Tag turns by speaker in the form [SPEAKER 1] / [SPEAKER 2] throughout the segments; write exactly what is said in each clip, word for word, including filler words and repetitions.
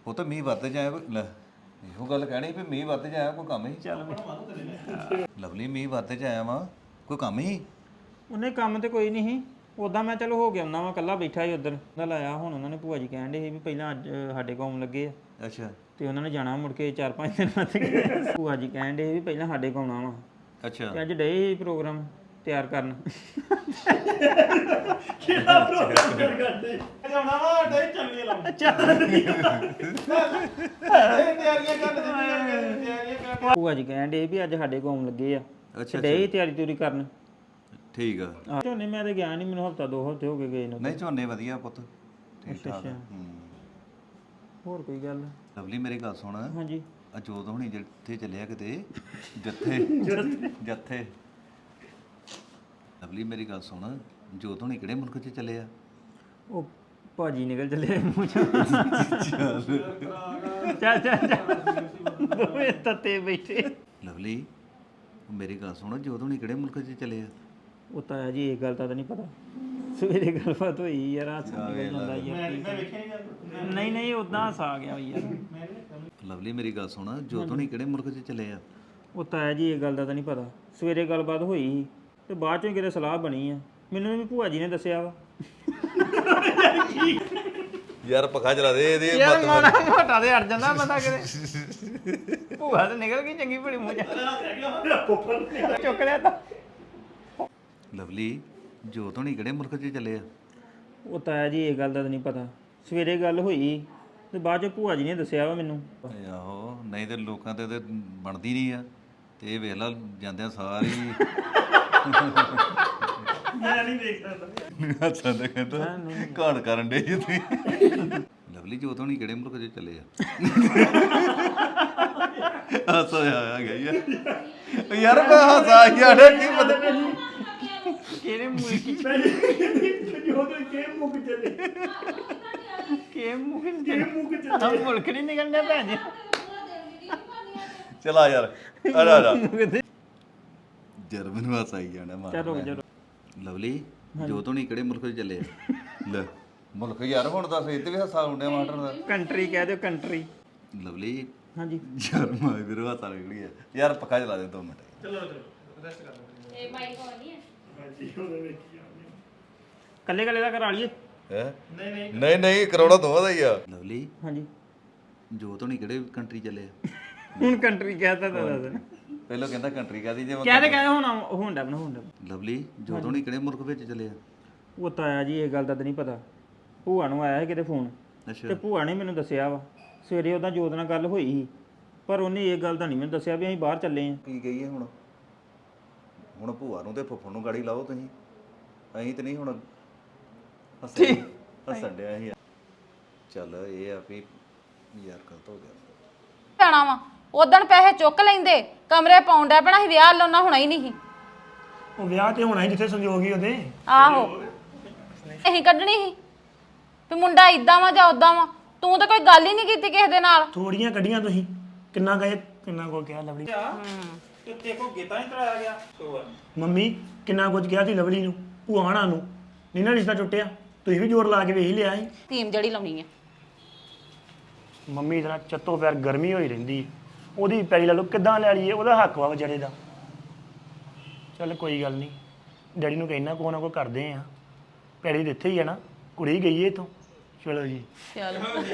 [SPEAKER 1] ਪੁੱਤ ਮੀਂਹ ਵੱਧ ਜਾਏ ਕੋਈ- ਲੈ ਇਹੋ ਗੱਲ ਕਹਿਣੀ ਵੀ ਮੀਂਹ ਵੱਧ ਜਾਇਆ ਕੋਈ ਕੰਮ ਹੀ
[SPEAKER 2] ਚੱਲ
[SPEAKER 1] ਲਵਲੀ ਮੀਂਹ ਵੱਧ ਜਾਇਆ ਵਾ ਕੋਈ ਕੰਮ ਹੀ
[SPEAKER 2] ਉਹਨੇ ਕੰਮ ਤੇ ਕੋਈ ਨਹੀਂ ਸੀ ਉਦਾਂ ਮੈਂ ਚਲੋ ਹੋ ਗਿਆ ਉਹਨਾਂ ਵਾ ਕੱਲਾ ਬੈਠਾ ਸੀ ਉਧਰ ਦਾ ਲਾਇਆ ਹੁਣ ਉਹਨਾਂ ਨੇ ਭੂਆ ਜੀ ਕਹਿਣ ਦੇ ਸੀ ਵੀ ਪਹਿਲਾਂ ਅੱਜ ਸਾਡੇ ਕੋਲ ਆਉਣ ਲੱਗੇ ਆ
[SPEAKER 1] ਅੱਛਾ
[SPEAKER 2] ਤੇ ਉਹਨਾਂ ਨੇ ਜਾਣਾ ਮੁੜ ਕੇ ਚਾਰ ਪੰਜ ਦਿਨ ਬਾਅਦ ਗਏ ਭੂਆ ਜੀ ਕਹਿਣ ਦੇ ਵੀ ਪਹਿਲਾਂ ਸਾਡੇ ਕੋਲ ਆਉਣਾ ਵਾ
[SPEAKER 1] ਅੱਛਾ
[SPEAKER 2] ਤੇ ਅੱਜ ਡੇ ਸੀ ਪ੍ਰੋਗਰਾਮ ਤਿਆਰ ਕਰਨ
[SPEAKER 3] ਕਿਹੜਾ ਪ੍ਰੋਗਰਾਮ ਕਰ ਕਰਦੇ ਜਾਣਾ ਵਾ ਡੇ ਚੱਲੀਏ ਲਾਉਂ ਤਿਆਰੀਆਂ ਕਰ ਤਿਆਰੀਆਂ ਕਰ
[SPEAKER 2] ਭੂਆ ਜੀ ਕਹਿਣ ਦੇ ਵੀ ਅੱਜ ਸਾਡੇ ਕੋਲ ਆਉਣ ਲੱਗੇ ਆ
[SPEAKER 1] ਅੱਛਾ
[SPEAKER 2] ਤੇ ਡੇ ਤਿਆਰੀ ਤਿਉਰੀ ਕਰਨ
[SPEAKER 1] ਠੀਕ ਆ
[SPEAKER 2] ਆਹ ਝੋਨੇ ਮੈਂ ਤੇ ਗਿਆ ਨਹੀਂ ਮੈਨੂੰ ਹਫਤਾ ਦੋ ਹਫਤੇ ਹੋ ਗਏ ਗਏ ਨੂੰ
[SPEAKER 1] ਨਹੀਂ ਝੋਨੇ ਵਧੀਆ ਪੁੱਤ ਠੀਕ ਠਾਕ
[SPEAKER 2] ਅੱਛਾ।
[SPEAKER 1] ਹੂੰ
[SPEAKER 2] ਹੋਰ ਕੋਈ ਗੱਲ
[SPEAKER 1] ਲਵਲੀ ਮੇਰੀ ਗੱਲ ਸੁਣ
[SPEAKER 2] ਹਾਂਜੀ
[SPEAKER 1] ਅਜੋਤ ਹੁਣੀ ਜਿੱਥੇ ਚੱਲਿਆ ਕਿਤੇ ਜੱਥੇ ਜੱਥੇ ਲਵਲੀ ਮੇਰੀ ਗੱਲ ਸੁਣ ਜੋਤ ਹੁਣੀ ਕਿਹੜੇ ਮੁਲਕ 'ਚ ਚੱਲੇ ਆ
[SPEAKER 2] ਉਹ ਭਾਜੀ ਨਿਕਲ ਚੱਲੇ ਮੂੰਹ ਚੋਂ ਚੱਲ ਚੱਲ ਚੱਲ ਦੋਵੇਂ ਤੱਤੇ ਬੈਠੇ
[SPEAKER 1] ਲਵਲੀ ਉਹ ਮੇਰੀ ਗੱਲ ਸੁਣ ਜੋਤ ਹੁਣੀ ਕਿਹੜੇ ਮੁਲਕ 'ਚ ਚੱਲੇ ਆ
[SPEAKER 2] ਉਹ ਤਾਂ ਜੀ ਇਹ ਗੱਲ ਤਾਂ ਨਹੀਂ ਪਤਾ ਸਵੇਰੇ ਗੱਲਬਾਤ ਹੋਈ ਯਾਰ ਆ ਨਿਕਲ ਜਾਂਦਾ ਯਾਰ
[SPEAKER 3] ਮੈਂ ਵੇਖਿਆ ਨਹੀਂ
[SPEAKER 2] ਨਹੀਂ ਨਹੀਂ ਉਦਾਂ ਹੱਸ ਆ ਗਿਆ ਯਾਰ
[SPEAKER 1] ਲਵਲੀ ਮੇਰੀ ਗੱਲ ਸੁਣ ਜੋਤ ਹੁਣੀ ਕਿਹੜੇ ਮੁਲਕ 'ਚ ਚੱਲੇ ਆ
[SPEAKER 2] ਉਹ ਤਾਂ ਜੀ ਇਹ ਗੱਲ ਦਾ ਤਾਂ ਨਹੀਂ ਪਤਾ ਸਵੇਰੇ ਗੱਲਬਾਤ ਹੋਈ ਸੀ ਤੇ ਬਾਅਦ ਚੋਂ ਕਿਤੇ ਸਲਾਹ ਬਣੀ ਆ ਮੈਨੂੰ ਵੀ ਭੂਆ ਜੀ ਨੇ ਦੱਸਿਆ ਵਾ
[SPEAKER 1] ਯਾਰ ਪੱਖਾ ਚਲਾ ਦੇ ਇਹਦੇ
[SPEAKER 2] ਯਾਰ ਮਾੜਾ ਮੋਟਾ ਤੇ ਅੜ ਜਾਂਦਾ ਬੰਦਾ ਕਿਤੇ ਭੂਆ ਤੇ ਨਿਕਲ ਗਈ ਚੰਗੀ ਭਲੀ ਮੂੰਹ ਚ ਚੁੱਕ ਲਿਆ ਤਾਂ
[SPEAKER 1] ਲਵਲੀ ਜੋਤ ਹੁਣੀ ਕਿਹੜੇ ਮੁਲਕ 'ਚ ਚੱਲੇ ਆ
[SPEAKER 2] ਉਹ ਤਾਂ ਜੀ ਇਹ ਗੱਲ ਦਾ ਤਾਂ ਨਹੀਂ ਪਤਾ ਸਵੇਰੇ ਗੱਲ ਹੋਈ ਤੇ ਬਾਅਦ ਚ ਭੂਆ ਜੀ ਨੇ ਦੱਸਿਆ ਵਾ ਮੈਨੂੰ
[SPEAKER 1] ਓਏ ਆਹੋ ਨਹੀਂ ਤੇ ਲੋਕਾਂ ਤੇ ਤੇ ਬਣਦੀ ਨਹੀਂ ਆ ਤੇ ਇਹ ਵੇਖ ਲਾ ਜਾਂਦਿਆਂ ਸਾਰੀ
[SPEAKER 3] ਮੈਂ ਨਹੀਂ ਦੇਖ ਸਕਦਾ
[SPEAKER 1] ਹੱਸਾਂ ਦਾ ਕਹਿੰਦਾ ਘਾਣ ਕਰਨ ਦੇ ਜੀ ਤੁਸੀਂ ਲਵਲੀ ਜੋਤ ਹੋਣੀ ਕਿਹੜੇ ਮੁਲਕ 'ਚ ਚੱਲੇ ਆ ਹੱਸ ਆਇਆ ਗਿਆ ਯਾਰ ਯਾਰ ਮੈਂ ਹੱਸਾ ਯਾਰ ਕੀ ਪਤਾ
[SPEAKER 2] ਕਿਹੜੇ ਮੁਲਕ
[SPEAKER 3] ਜੋ ਤੇ ਕੇ ਮੁੱਕ ਚੱਲੇ
[SPEAKER 2] ਕੇ ਮੁਲਕ
[SPEAKER 3] ਕੇ ਮੁੱਕ ਚੱਲੇ
[SPEAKER 2] ਆ ਮੁਲਕ ਨਹੀਂ ਨਿਕਲਣਾ ਭੈਣ ਜੀ
[SPEAKER 1] ਚਲਾ ਯਾਰ ਆ ਜਾ ਆ ਜਾ ਜਰ ਮੈਨੂੰ ਹੱਸ ਆਈ ਜਾਣਾ ਮਾਰ
[SPEAKER 2] ਚਲੋ ਚਲੋ
[SPEAKER 1] ਲਵਲੀ ਜੋਤ ਹੋਣੀ ਕਿਹੜੇ ਮੁਲਕ 'ਚ ਚੱਲੇ ਆ ਲੈ ਮੁਲਕ ਯਾਰ ਹੁਣ ਦੱਸ ਇਹ ਤੇ ਵੀ ਹੱਸਾ ਹੁੰਦਿਆ ਮਾਸਟਰ ਦਾ
[SPEAKER 2] ਕੰਟਰੀ ਕਹਿ ਦਿਓ ਕੰਟਰੀ
[SPEAKER 1] ਲਵਲੀ
[SPEAKER 2] ਹਾਂਜੀ
[SPEAKER 1] ਯਾਰ ਮੈਂ ਵੀਰੋ ਹੱਸਾ ਨਿਕਲੀ ਆ ਯਾਰ ਪੱਖਾ ਚਲਾ ਦੇ ਦੋ ਮਿੰਟ
[SPEAKER 3] ਚਲੋ ਚਲੋ ਰੈਸਟ ਕਰ ਲਓ
[SPEAKER 4] ਇਹ ਮਾਈਕ ਹੋ ਨਹੀਂ ਹੈ
[SPEAKER 3] ਹਾਂਜੀ ਉਹਦੇ ਵੇਖੀ ਜਾਂਦੇ
[SPEAKER 2] ਕੱਲੇ ਕੱਲੇ ਦਾ ਕਰਾ ਲਈਏ
[SPEAKER 1] ਹੈ
[SPEAKER 3] ਨਹੀਂ ਨਹੀਂ
[SPEAKER 1] ਨਹੀਂ ਨਹੀਂ ਕਰਾਉਣਾ ਦੋਵਾਂ ਦਾ ਹੀ ਆ ਲਵਲੀ
[SPEAKER 2] ਹਾਂਜੀ
[SPEAKER 1] ਜੋਤ ਹੋਣੀ ਕਿਹੜੇ ਕੰਟਰੀ ਚੱਲੇ ਆ
[SPEAKER 2] ਹੁਣ ਕੰਟਰੀ ਕਹਿਤਾ ਤਾਂ ਦੱਸ
[SPEAKER 1] ਪਹਿਲਾਂ ਕਹਿੰਦਾ ਕੰਟਰੀ ਕਾਦੀ ਜੇ
[SPEAKER 2] ਕਹਿ ਤੇ ਕਹਿ ਹੁਣ ਹੁੰਦਾ ਬਣਾ ਹੁੰਦਾ
[SPEAKER 1] ਲਵਲੀ ਜੋਤ ਹੋਣੀ ਕਿਹੜੇ ਮੁਲਕ ਵਿੱਚ ਚੱਲੇ ਆ
[SPEAKER 2] ਉਹ ਤਾਂ ਆਇਆ ਜੀ ਇਹ ਗੱਲ ਦਾ ਤਾਂ ਨਹੀਂ ਪਤਾ ਭੂਆ ਨੂੰ ਆਇਆ ਸੀ ਕਿਤੇ ਫੋਨ ਤੇ
[SPEAKER 1] ਅੱਛਾ
[SPEAKER 2] ਭੂਆ ਨੇ ਮੈਨੂੰ ਦੱਸਿਆ ਵਾ ਸਵੇਰੇ ਉਹਦਾ ਜੋਤ ਨਾਲ ਗੱਲ ਹੋਈ ਸੀ ਪਰ ਉਹਨੇ ਇਹ ਗੱਲ ਤਾਂ ਨਹੀਂ ਮੈਨੂੰ ਦੱਸਿਆ ਵੀ ਅਸੀਂ ਬਾਹਰ ਚੱਲੇ ਆਂ
[SPEAKER 1] ਕੀ ਕਹੀਏ ਹੁਣ ਹੁਣ ਭੂਆ ਨੂੰ ਤੇ ਫੁੱਫੜ ਨੂੰ ਗਾੜੀ ਲਾਓ ਤੁਸੀਂ ਅਸੀਂ ਤੇ ਨਹੀਂ ਹੁਣ ਹੱਸਣ ਹੱਸਣ ਡਿਆ ਸੀ ਚੱਲ ਇਹ ਆ ਵੀ ਯਾਰ ਗਲਤ ਹੋ ਗਿਆ
[SPEAKER 4] ਪੈਣਾ ਵਾ ਉਦਣ ਪੈਸੇ ਚੁੱਕ ਲੈਂਦੇ ਕਮਰੇ ਪਾਉਂਦਾ ਪੈਣਾ ਸੀ ਵਿਆਹ ਲਾਉਣਾ ਹੋਣਾ ਹੀ ਨਹੀਂ ਸੀ
[SPEAKER 3] ਉਹ ਵਿਆਹ ਤੇ ਹੋਣਾ ਹੀ ਜਿੱਥੇ ਸੰਜੋਗ ਹੀ ਉਹਦੇ
[SPEAKER 4] ਆਹੋ ਅਸੀਂ ਕੱਢਣੀ ਸੀ ਵੀ ਮੁੰਡਾ ਇਦਾਂ ਵਾ ਜਾਂ ਉਦਾਂ ਵਾ ਤੂੰ ਤਾਂ ਕੋਈ ਗੱਲ ਹੀ ਨਹੀਂ ਕੀਤੀ ਕਿਸੇ ਦੇ ਨਾਲ
[SPEAKER 3] ਥੋੜੀਆਂ ਕੱਢੀਆਂ ਤੁਸੀਂ ਕਿੰਨਾ ਗਏ ਕਿੰਨਾ ਕੋ ਕਿਹਾ ਲਵਲੀ
[SPEAKER 2] ਤੇ ਤੇ ਕੋ ਗੀਤਾ ਨਹੀਂ ਤਰਾਇਆ ਗਿਆ
[SPEAKER 3] ਮੰਮੀ ਕਿੰਨਾ ਕੁਝ ਕਿਹਾ ਸੀ ਲਵਲੀ ਨੂੰ ਭੂਆਣਾ ਨੂੰ ਨਹੀਂ ਨਾ ਰਿਸ਼ਤਾ ਟੁੱਟਿਆ ਤੁਸੀਂ ਵੀ ਜ਼ੋਰ ਲਾ ਕੇ ਵੇਖ ਹੀ ਲਿਆ ਸੀ
[SPEAKER 4] ਟੀਮ ਜਿਹੜੀ ਲਾਉਣੀ ਹੈ
[SPEAKER 3] ਮੰਮੀ ਇਤਨਾ ਚੱਤੋ ਪੈਰ ਗਰਮੀ ਹੋਈ ਰਹਿੰਦੀ ਉਹਦੀ ਪੈਰੀ ਲਾ ਲਓ ਕਿੱਦਾਂ ਲੈ ਲਈਏ ਉਹਦਾ ਹੱਕ ਵਾ ਵਿਚਾਰੇ ਦਾ ਚੱਲ ਕੋਈ ਗੱਲ ਨਹੀਂ ਡੈਡੀ ਨੂੰ ਕਹਿਣਾ ਕੋ ਨਾ ਕੋ ਕਰਦੇ ਆ ਪੈਰੀ ਤੇ ਇੱਥੇ ਹੀ ਆ ਨਾ ਕੁੜੀ ਗਈ ਏ ਇੱਥੋਂ ਚਲੋ ਜੀ
[SPEAKER 4] ਚਲ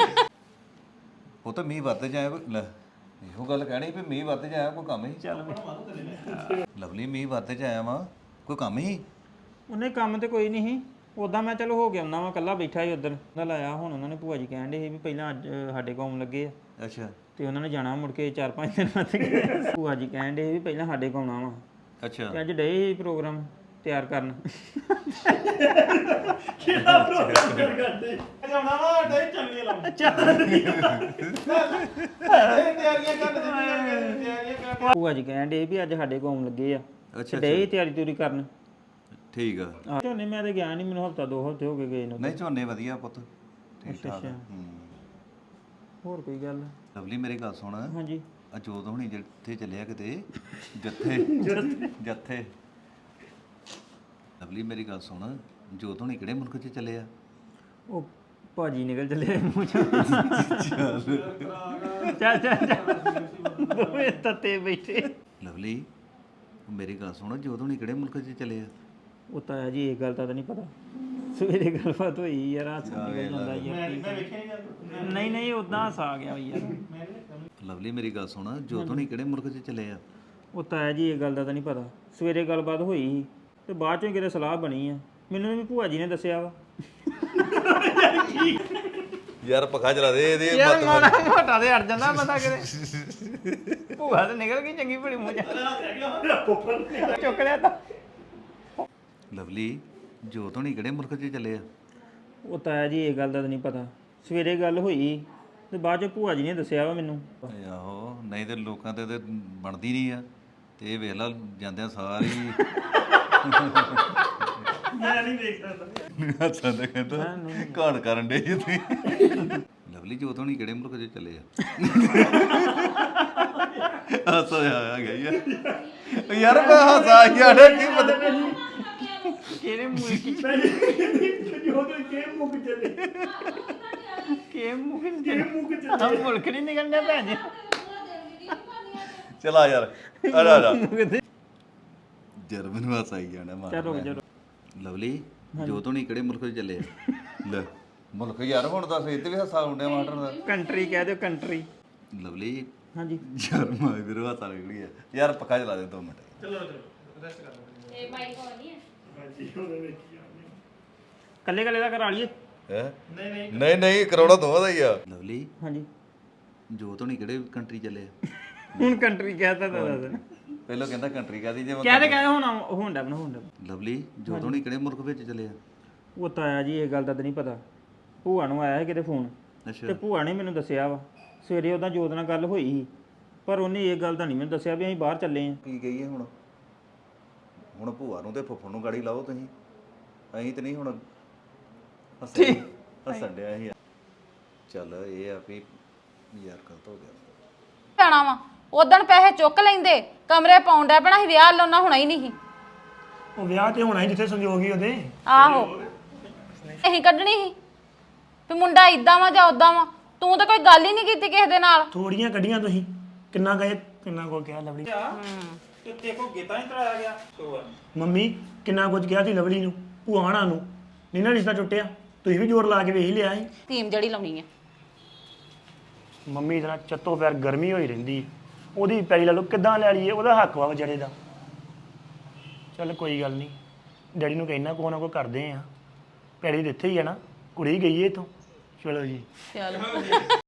[SPEAKER 1] ਉਹ ਤਾਂ ਮੀਂਹ ਵੱਧ ਜਾਏ ਕੋਈ- ਲੈ ਇਹੋ ਗੱਲ ਕਹਿਣੀ ਵੀ ਮੀਂਹ ਵੱਧ ਜਾਇਆ ਕੋਈ ਕੰਮ ਹੀ
[SPEAKER 2] ਚੱਲ
[SPEAKER 1] ਲਵਲੀ ਮੀਂਹ ਵੱਧ ਜਾਇਆ ਵਾ ਕੋਈ ਕੰਮ ਹੀ
[SPEAKER 2] ਉਹਨੇ ਕੰਮ ਤੇ ਕੋਈ ਨਹੀਂ ਸੀ ਉਦਾਂ ਮੈਂ ਚਲੋ ਹੋ ਗਿਆ ਉਹਨਾਂ ਵਾ ਕੱਲਾ ਬੈਠਾ ਸੀ ਉਧਰ ਦਾ ਲਾਇਆ ਹੁਣ ਉਹਨਾਂ ਨੇ ਭੂਆ ਜੀ ਕਹਿਣ ਦੇ ਸੀ ਵੀ ਪਹਿਲਾਂ ਅੱਜ ਸਾਡੇ ਕੋਲ ਆਉਣ ਲੱਗੇ ਆ
[SPEAKER 1] ਅੱਛਾ
[SPEAKER 2] ਤੇ ਉਹਨਾਂ ਨੇ ਜਾਣਾ ਮੁੜ ਕੇ ਚਾਰ ਪੰਜ ਦਿਨ ਬਾਅਦ ਗਏ ਭੂਆ ਜੀ ਕਹਿਣ ਦੇ ਵੀ ਪਹਿਲਾਂ ਸਾਡੇ ਕੋਲ ਆਉਣਾ ਵਾ
[SPEAKER 1] ਅੱਛਾ
[SPEAKER 2] ਤੇ ਅੱਜ ਡੇ ਸੀ ਪ੍ਰੋਗਰਾਮ ਤਿਆਰ ਕਰਨ
[SPEAKER 3] ਕਿਹੜਾ ਪ੍ਰੋਗਰਾਮ ਕਰ ਕਰਦੇ ਜਾਣਾ ਵਾ ਡੇ ਚੱਲੀਏ ਲਾਉਂ ਤਿਆਰੀਆਂ ਕਰ ਤਿਆਰੀਆਂ ਕਰ
[SPEAKER 2] ਭੂਆ ਜੀ ਕਹਿਣ ਦੇ ਵੀ ਅੱਜ ਸਾਡੇ ਕੋਲ ਆਉਣ ਲੱਗੇ ਆ
[SPEAKER 1] ਅੱਛਾ
[SPEAKER 2] ਡੇ ਤਿਆਰੀ ਤਿਉਰੀ ਕਰਨ
[SPEAKER 1] ਠੀਕ ਆ
[SPEAKER 2] ਆਹ ਝੋਨੇ ਮੈਂ ਤੇ ਗਿਆ ਨਹੀਂ ਮੈਨੂੰ ਹਫਤਾ ਦੋ ਹਫਤੇ ਹੋ ਗਏ ਗਏ ਨੂੰ
[SPEAKER 1] ਨਹੀਂ ਝੋਨੇ ਵਧੀਆ ਪੁੱਤ ਠੀਕ ਠਾਕ
[SPEAKER 2] ਅੱਛਾ।
[SPEAKER 1] ਹੂੰ
[SPEAKER 2] ਹੋਰ ਕੋਈ ਗੱਲ
[SPEAKER 1] ਲਵਲੀ ਮੇਰੀ ਗੱਲ ਸੁਣ
[SPEAKER 2] ਹਾਂਜੀ
[SPEAKER 1] ਅਜੋਤ ਹੁਣੀ ਜਿੱਥੇ ਚੱਲਿਆ ਕਿਤੇ ਜੱਥੇ ਜੱਥੇ ਲਵਲੀ ਮੇਰੀ ਗੱਲ ਸੁਣ ਜੋਤ ਹੁਣੀ ਕਿਹੜੇ ਮੁਲਕ 'ਚ ਚੱਲੇ ਆ
[SPEAKER 2] ਉਹ ਭਾਜੀ ਨਿਕਲ ਚੱਲੇ ਮੂੰਹ ਚੋਂ ਚੱਲ ਚੱਲ ਚੱਲ ਦੋਵੇਂ ਤੱਤੇ ਬੈਠੇ
[SPEAKER 1] ਲਵਲੀ ਮੇਰੀ ਗੱਲ ਸੁਣ ਜਦੋਂ ਨਹੀਂ ਕਿਹੜੇ ਮੁਲਕ 'ਚ ਚਲੇ ਆ
[SPEAKER 2] ਉਹ ਤਾਂ ਹੈ ਜੀ ਇਹ ਗੱਲ ਤਾਂ ਨਹੀਂ ਪਤਾ ਸਵੇਰੇ ਗੱਲਬਾਤ ਹੋਈ ਯਾਰ ਹੱਥ ਨਿਕਲ ਜਾਂਦਾ ਯਾਰ ਨਹੀਂ ਨਹੀਂ ਉਦਾਂ ਹੱਸ ਆ ਗਿਆ ਵੀ ਯਾਰ
[SPEAKER 1] ਲਵਲੀ ਮੇਰੀ ਗੱਲ ਸੁਣ ਜਦੋਂ ਨਹੀਂ ਕਿਹੜੇ ਮੁਲਕ 'ਚ ਚਲੇ ਆ
[SPEAKER 2] ਉਹ ਤਾਂ ਹੈ ਜੀ ਇਹ ਗੱਲ ਦਾ ਤਾਂ ਨਹੀਂ ਪਤਾ ਸਵੇਰੇ ਗੱਲਬਾਤ ਹੋਈ ਸੀ ਤੇ ਬਾਅਦ ਚੋਂ ਕਿਤੇ ਸਲਾਹ ਬਣੀ ਆ ਮੈਨੂੰ ਵੀ ਭੂਆ ਜੀ ਨੇ ਦੱਸਿਆ ਵਾ
[SPEAKER 1] ਯਾਰ ਪੱਖਾ ਚਲਾ ਦੇ ਇਹਦੇ
[SPEAKER 2] ਯਾਰ ਮਾੜਾ ਮੋਟਾ ਤੇ ਅੜ ਜਾਂਦਾ ਬੰਦਾ ਕਿਤੇ ਭੂਆ ਤੇ ਨਿਕਲ ਗਈ ਚੰਗੀ ਭਲੀ ਮੂੰਹ ਚ ਚੁੱਕ ਲਿਆ ਤਾਂ
[SPEAKER 1] ਲਵਲੀ ਜਦੋਂ ਨਹੀਂ ਕਿਹੜੇ ਮੁਲਕ 'ਚ ਚਲੇ ਆ
[SPEAKER 2] ਉਹ ਤਾਂ ਹੈ ਜੀ ਇਹ ਗੱਲ ਦਾ ਤਾਂ ਨਹੀਂ ਪਤਾ ਸਵੇਰੇ ਗੱਲ ਹੋਈ ਤੇ ਬਾਅਦ ਚ ਭੂਆ ਜੀ ਨੇ ਦੱਸਿਆ ਵਾ ਮੈਨੂੰ
[SPEAKER 1] ਆਹੋ ਨਹੀਂ ਤੇ ਲੋਕਾਂ ਤੇ ਤੇ ਬਣਦੀ ਨਹੀਂ ਆ ਤੇ ਇਹ ਵੇਖ ਲਾ ਜਾਂਦਿਆਂ ਸਾਰੀ
[SPEAKER 3] ਮੈਂ ਨਹੀਂ ਦੇਖ ਸਕਦਾ
[SPEAKER 1] ਹੱਸਾਂ ਤੇ ਕਹਿੰਦਾ ਘਾਣ ਕਰਨ ਦੇ ਜੀ ਤੁਸੀਂ ਲਵਲੀ ਜਦੋਂ ਨਹੀਂ ਕਿਹੜੇ ਮੁਲਕ 'ਚ ਚਲੇ ਆ ਹੱਸਾ ਆ ਗਿਆ ਯਾਰ ਯਾਰ ਮੈਂ ਹੱਸਾ ਯਾਰ ਕੀ ਪਤਾ
[SPEAKER 2] ਕਿਹੜੇ ਮੂੰਹ ਕੀ
[SPEAKER 3] ਜੋ ਤੇ ਕੇ ਮੁੱਕ ਚੱਲੇ
[SPEAKER 2] ਕੇ ਮੂੰਹ
[SPEAKER 3] ਕੇ ਮੁੱਕ ਚੱਲੇ
[SPEAKER 2] ਆ ਮੁਲਕ ਨਹੀਂ ਨਿਕਲਣਾ ਭੈਣ ਜੀ
[SPEAKER 1] ਚਲਾ ਯਾਰ ਆ ਜਾ ਆ ਜਾ ਜਰ ਮੈਨੂੰ ਹੱਸਾ ਹੀ ਜਾਣਾ ਮਾਰ
[SPEAKER 2] ਚਲੋ ਚਲੋ
[SPEAKER 1] ਲਵਲੀ ਜਦੋਂ ਨਹੀਂ ਕਿਹੜੇ ਮੁਲਕ 'ਚ ਚੱਲੇ ਆ ਲੈ ਮੁਲਕ ਯਾਰ ਹੁਣ ਦੱਸ ਇੱਥੇ ਵੀ ਹੱਸਾ ਹੁੰਦਿਆ ਮਾਸਟਰ ਦਾ
[SPEAKER 2] ਕੰਟਰੀ ਕਹਿ ਦਿਓ ਕੰਟਰੀ
[SPEAKER 1] ਲਵਲੀ
[SPEAKER 2] ਹਾਂਜੀ
[SPEAKER 1] ਯਾਰ ਮੈਂ ਵੀਰ ਹੱਸਾ ਨਿਕਲੀ ਆ ਯਾਰ ਪੱਕਾ ਚਲਾ ਦੇ ਦੋ ਮਿੰਟ
[SPEAKER 3] ਚਲੋ ਚਲੋ ਰੈਸਟ ਕਰ ਲਓ
[SPEAKER 4] ਇਹ ਬਾਈ ਕੋ ਨਹੀਂ ਹੈ
[SPEAKER 3] ਹਾਂਜੀ ਉਹਦੇ ਵਿੱਚ ਹੀ ਆ
[SPEAKER 2] ਕੱਲੇ ਕੱਲੇ ਦਾ ਕਰਾ ਲਈਏ
[SPEAKER 1] ਹੈ
[SPEAKER 3] ਨਹੀਂ ਨਹੀਂ
[SPEAKER 1] ਨਹੀਂ ਨਹੀਂ ਕਰਾਉਣਾ ਦੋਵਾਂ ਦਾ ਹੀ ਆ ਲਵਲੀ
[SPEAKER 2] ਹਾਂਜੀ
[SPEAKER 1] ਜੋ ਤੋਂ ਨਹੀਂ ਕਿਹੜੇ ਕੰਟਰੀ ਚੱਲੇ ਆ
[SPEAKER 2] ਹੁਣ ਕੰਟਰੀ ਕਹਿਤਾ ਤਾਂ ਦੱਸ
[SPEAKER 1] ਪਹਿਲਾਂ ਕਹਿੰਦਾ ਕੰਟਰੀ ਕਾਦੀ ਜੇ
[SPEAKER 2] ਕਹਿ ਕਹਿ ਹੁਣ ਹੁੰਦਾ ਬਣਾ ਹੁੰਦਾ
[SPEAKER 1] ਲਵਲੀ ਜੋ ਤੋਂ ਨਹੀਂ ਕਿਹੜੇ ਮੁਲਕ ਵਿੱਚ ਚੱਲੇ ਆ
[SPEAKER 2] ਉਹ ਤਾਂ ਆਇਆ ਜੀ ਇਹ ਗੱਲ ਦਾ ਤਾਂ ਨਹੀਂ ਪਤਾ ਭੂਆ ਨੂੰ ਆਇਆ ਸੀ ਕਿਤੇ ਫੋਨ
[SPEAKER 1] ਅੱਛਾ
[SPEAKER 2] ਤੇ ਭੂਆ ਨੇ ਮੈਨੂੰ ਦੱਸਿਆ ਵਾ ਸਵੇਰੇ ਉਹਦਾ ਜੋਤ ਨਾਲ ਗੱਲ ਹੋਈ ਸੀ ਪਰ ਉਹਨੇ ਇਹ ਗੱਲ ਤਾਂ ਨਹੀਂ ਮੈਨੂੰ ਦੱਸਿਆ ਵੀ ਅਸੀਂ ਬਾਹਰ ਚੱਲੇ ਆਂ
[SPEAKER 1] ਕੀ ਕਹੀਏ ਹੁਣ ਹੁਣ ਭੂਆ ਨੂੰ ਤੇ ਫੁੱਫੜ ਨੂੰ ਗਾੜੀ ਲਾਓ ਤੁਸੀਂ ਅਸੀਂ ਤੇ ਨਹੀਂ ਹੁਣ ਹੱਸਣ ਹੱਸਣ ਡਿਆ ਸੀ ਚੱਲ ਇਹ ਆ ਵੀ ਯਾਰ ਗਲਤ ਹੋ ਗਿਆ
[SPEAKER 4] ਪੈਣਾ ਵਾ ਉਦੋਂ ਪੈਸੇ ਚੁੱਕ ਲੈਂਦੇ ਕਮਰੇ ਪਾਉਂਦਾ ਪੈਣਾ ਸੀ ਵਿਆਹ ਲਾਉਣਾ ਹੋਣਾ ਹੀ ਨਹੀਂ ਸੀ।
[SPEAKER 3] ਉਹ ਵਿਆਹ ਤੇ ਹੋਣਾ ਹੀ ਜਿੱਥੇ ਸੰਜੋਗ ਹੀ ਉਹਦੇ
[SPEAKER 4] ਆਹੋ ਅਸੀਂ ਕੱਢਣੀ ਸੀ ਵੀ ਮੁੰਡਾ ਇਦਾਂ ਵਾ ਜਾਂ ਉਦਾਂ ਵਾ ਤੂੰ ਤਾਂ ਕੋਈ ਗੱਲ ਹੀ ਨਹੀਂ ਕੀਤੀ ਕਿਸੇ ਦੇ ਨਾਲ
[SPEAKER 3] ਥੋੜੀਆਂ ਕੱਢੀਆਂ ਤੁਸੀਂ ਕਿੰਨਾ ਗਏ ਕਿੰਨਾ ਕੋ ਕਿਹਾ ਲਵਲੀ
[SPEAKER 2] ਤੇ ਦੇਖੋ ਗੀਤਾ ਨਹੀਂ ਤਰਾਇਆ ਗਿਆ
[SPEAKER 3] ਮੰਮੀ ਕਿੰਨਾ ਕੁਝ ਕਿਹਾ ਸੀ ਲਵਲੀ ਨੂੰ ਭੂਆਣਾ ਨੂੰ ਨਹੀਂ ਨਾ ਰਿਸ਼ਤਾ ਟੁੱਟਿਆ ਤੁਸੀਂ ਵੀ ਜ਼ੋਰ ਲਾ ਕੇ ਵੇਖ ਹੀ ਲਿਆ ਸੀ
[SPEAKER 4] ਥੀਮ ਜਿਹੜੀ ਲਾਉਣੀ ਆ
[SPEAKER 3] ਮੰਮੀ ਜਰਾ ਚੱਤੋ ਪੈਰ ਗਰਮੀ ਹੋਈ ਰਹਿੰਦੀ ਉਹਦੀ ਪੈਰੀ ਲਾ ਲਓ ਕਿੱਦਾਂ ਲੈ ਲਈਏ ਉਹਦਾ ਹੱਕ ਵਾ ਵਿਚਾਰੇ ਦਾ ਚੱਲ ਕੋਈ ਗੱਲ ਨਹੀਂ ਡੈਡੀ ਨੂੰ ਕਹਿਣਾ ਕੋ ਨਾ ਕੋ ਕਰਦੇ ਆ ਪੈਰੀ ਦਿੱਥੇ ਹੀ ਆ ਨਾ ਕੁੜੀ ਗਈ ਏ ਇਥੋਂ ਚਲੋ ਜੀ
[SPEAKER 4] ਚਲ